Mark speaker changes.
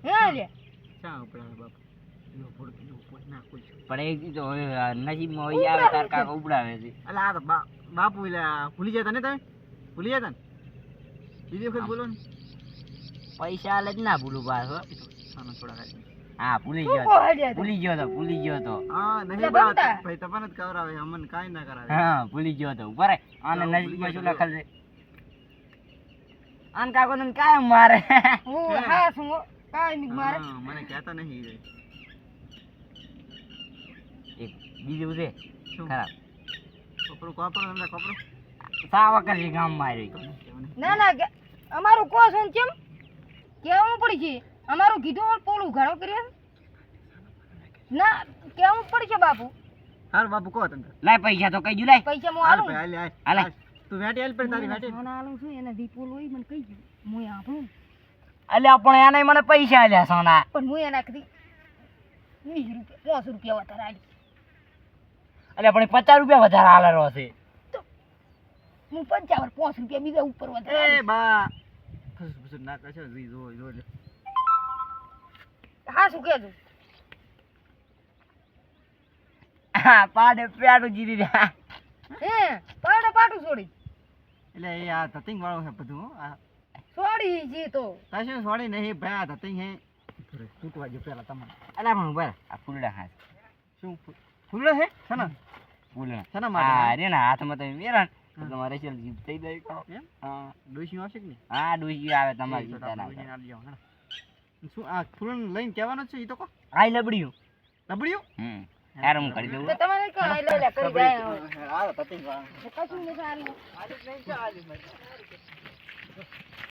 Speaker 1: હે લે
Speaker 2: ચા ઉપડાવે બાપ યો પોડ નાખું છું
Speaker 3: પણ એ તો હવે નસીબમાં હોય આવે તાર કાકા ઉપડાવે છે
Speaker 2: અલા આ તો બાપુ એલા ભૂલી જતા ને તમે ભૂલી જતા ને બીજી વખત બોલો ને
Speaker 3: પૈસા આલે જ ના ભૂલું પાછો
Speaker 2: સાનો થોડા ખાઈ
Speaker 3: હા ભૂલી
Speaker 1: તું
Speaker 3: ગયો
Speaker 1: કોહડે તો
Speaker 3: ભૂલી ગયો તો
Speaker 2: હા
Speaker 1: એટલે
Speaker 2: નહીં બાત
Speaker 1: બનતા.
Speaker 2: ભાઈ તમને જ કવરાવે અમને કાઈ ના કરાવે
Speaker 3: હા ભૂલી ગયો તો ઉપર આને
Speaker 2: હા,
Speaker 3: નજીકમાં શું
Speaker 2: ભૂલી
Speaker 3: લખેલ છે આન કાકો ને કાયમ મારે
Speaker 1: હું હા શું કાઈ ની મારે
Speaker 2: હા, મને કહેતા નહીં રે.
Speaker 3: એક બીજું છે
Speaker 2: શું
Speaker 3: ખરાબ
Speaker 2: કપડું કોપરો તમને કપડું
Speaker 3: સાવા કરી ગામ માં આવી
Speaker 1: ના ના અમારું કો છે કેમ કેવું પડી છે અમારું કીધું પોલું ઘણો કર્યો ના કેવું પડી છે બાપુ
Speaker 2: હાર બાપુ કહો તમને
Speaker 3: લાય પૈસા તો કઈ જુ લાય
Speaker 1: પૈસા હું
Speaker 2: હાલ
Speaker 1: આલું
Speaker 2: ભાઈ હાલ
Speaker 3: હાલે.
Speaker 2: હાલ તું વેટી હાલ પર તારી વેટી
Speaker 1: સોના આલું છું એને દીપોલ હોય મને કહી ગયું હું આપણું
Speaker 3: અલ્યા પણ એને મને પૈસા આલ્યા સોના
Speaker 1: પણ હું એના કદી 20 રૂપિયા 50 રૂપિયા વધારે આલી
Speaker 3: અલ્યા પણ 50 રૂપિયા વધારે આલેલો છે
Speaker 1: હું 55 5 રૂપિયા બીજા ઉપર વધારે
Speaker 2: એ
Speaker 1: આલી.
Speaker 2: બા ફસ ના કરશો જો લે
Speaker 1: હા શું કહેજો
Speaker 3: હા પાડે પેડું જીરી દે
Speaker 1: હે પાડે પાટું છોડી
Speaker 2: એટલે એ આ ધતિંગ વાળો છે બધું હો. આ
Speaker 1: છોડી જી તો
Speaker 2: કશું છોડી નહીં ભાઈ આ ધતિંગ હે તૂટવા જો પેલા તમને
Speaker 3: અલ્યા પણ ઉભા રહે. આ ફૂલડા હાથ
Speaker 2: શું ફૂલો છે સના
Speaker 3: ફૂલડા
Speaker 2: શેના માટે?
Speaker 3: હા રે ના હાથમાં તમે મેરા તો તમારે રેશલ જીત થઈ જાય કહો.
Speaker 2: એમ
Speaker 3: હા
Speaker 2: ડોશી આવશે કે નહીં
Speaker 3: હા ડોસી આવે તમારી
Speaker 2: એ તો
Speaker 3: ચિંતા ના
Speaker 2: ડોશીને
Speaker 3: કરો.
Speaker 2: આલી જાઓ, હેડો. શું આ ફૂલોને લઈને કહેવાનું છે એ તો કહો
Speaker 3: આઈ લબડ્યું
Speaker 2: લબડ્યું
Speaker 3: યાર હું કરી દઉં
Speaker 1: તો તમારે કઈ લઈ લે કરી જાય
Speaker 2: આ ધતિંગ વાળો
Speaker 1: કશું નથી આલી
Speaker 2: આજે નહીં ચાલે